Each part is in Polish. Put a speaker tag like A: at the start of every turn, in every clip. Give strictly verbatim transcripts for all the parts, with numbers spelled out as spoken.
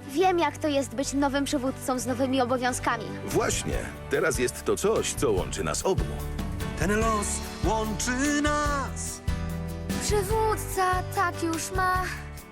A: Wiem, jak to jest być nowym przywódcą z nowymi obowiązkami.
B: Właśnie, teraz jest to coś, co łączy nas obu.
C: Ten los łączy nas.
A: Przywódca tak już ma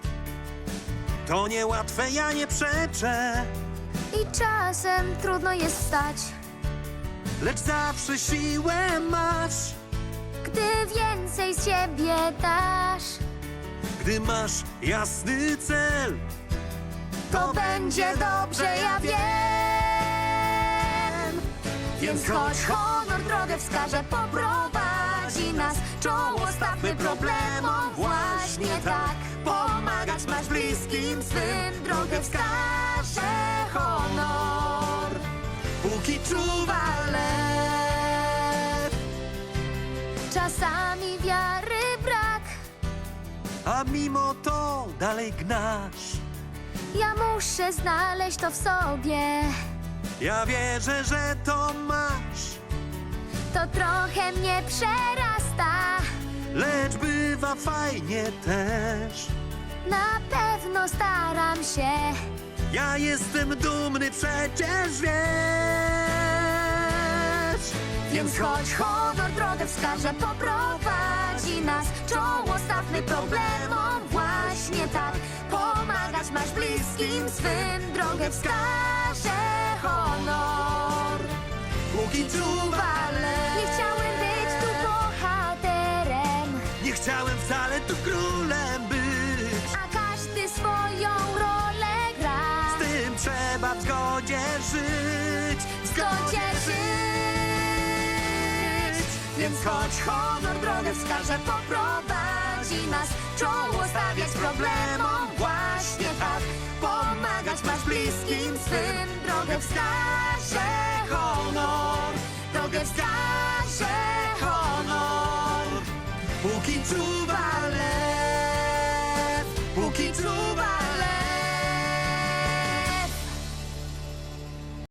C: To niełatwe, ja nie przeczę.
A: i czasem trudno jest wstać,
C: Lecz zawsze siłę masz.
A: gdy więcej z siebie dasz.
C: Gdy masz jasny cel,
A: To będzie dobrze, ja wiem. Więc choć honor drogę wskaże, poprowadzi nas. Czoło stawmy problemom właśnie tak. Pomagać masz bliskim swym, drogę wskaże honor.
C: póki czuwa lew.
A: Czasami wiary brak,
C: A mimo to dalej gnasz.
A: ja muszę znaleźć to w sobie.
C: Ja wierzę, że to masz.
A: To trochę mnie przerasta,
C: Lecz bywa fajnie też.
A: na pewno staram się.
C: Ja jestem dumny, przecież wiesz.
A: Więc choć honor drogę wskaże, poprowadzi nas. Czoło stawmy problemom właśnie tak. Pomagać masz bliskim swym, drogę wskaże honor.
C: Póki czuwa lew.
A: Nie chciałem być tu bohaterem,
C: Nie chciałem wcale tu królem być.
A: a każdy swoją rolę gra.
C: Z tym trzeba w zgodzie żyć. W
A: Zgodzie żyć. Więc choć honor drogę wskaże, poprowadzi nas. Czoło stawiać problemom właśnie tak. Pomagać masz bliskim swym, drogę wskaże honor. Drogę wskaże honor.
C: Póki czuwa lew. Póki czuwa